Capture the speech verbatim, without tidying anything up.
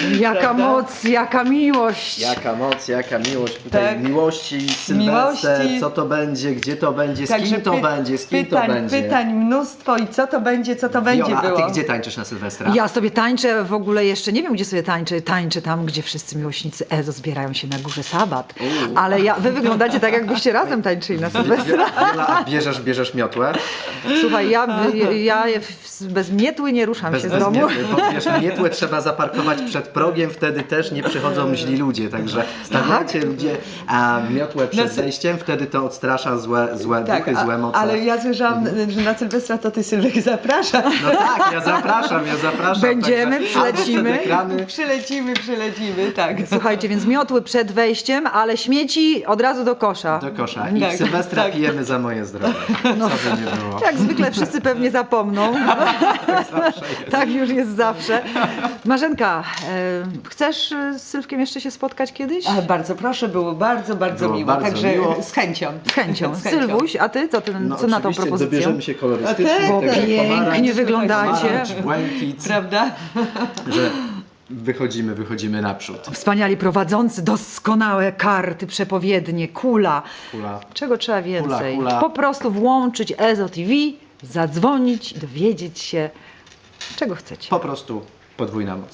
Jaka Prawda? moc, jaka miłość. Jaka moc, jaka miłość. Tutaj Tak. miłości, Sylwester, Miłości. co to będzie, gdzie to będzie, z Także kim to py- będzie, z kim pytań, to będzie. Pytań mnóstwo i co to będzie, co to będzie Viola, było. a ty gdzie tańczysz na Sylwestra? Ja sobie tańczę, w ogóle jeszcze nie wiem, gdzie sobie tańczę. Tańczę tam, gdzie wszyscy miłośnicy Ezo zbierają się na górze Sabat. Uuu. Ale ja, wy wyglądacie tak, jakbyście razem tańczyli na Sylwestra. Viola, a bierzesz, bierzesz miotłę? Słuchaj, ja, ja bez mietły nie ruszam Bez, się z bez domu. miotły, bo wiesz, miotłę trzeba zaparkować przed progiem, wtedy też nie przychodzą źli ludzie, także stawiacie ludzie a miotłę przed No, wejściem, wtedy to odstrasza złe, złe Tak, duchy, złe a, moce. ale ja słyszałam, że na Sylwestra to ty, Sylwek, zapraszasz. No tak, ja zapraszam, ja zapraszam. Będziemy, także albo przylecimy. przed ekrany. Przylecimy, przylecimy, tak. Słuchajcie, więc miotły przed wejściem, ale śmieci od razu do kosza. Do kosza. I Tak, Sylwestra tak. pijemy za moje zdrowie. No. Co by nie było. Jak zwykle wszyscy pewnie zapomną. Zawsze jest. Tak już jest zawsze. Marzenka, e, chcesz e, z Sylwkiem jeszcze się spotkać kiedyś? Ale bardzo proszę, było bardzo, bardzo Było miło. bardzo Także miło. z chęcią. Z chęcią. Z chęcią. Sylwuś, a ty co, ty, No, co na tą oczywiście propozycję? dobierzemy się kolorystycznie. A tak, Bo tego pięknie pomarańcz, wyglądacie. pomarańcz, błękit, Prawda? że wychodzimy, wychodzimy naprzód. Wspaniali prowadzący, doskonałe karty, przepowiednie, kula. Kula. Czego trzeba więcej? kula. Po prostu włączyć Ezo T V, zadzwonić, dowiedzieć się, czego chcecie. Po prostu podwójna moc.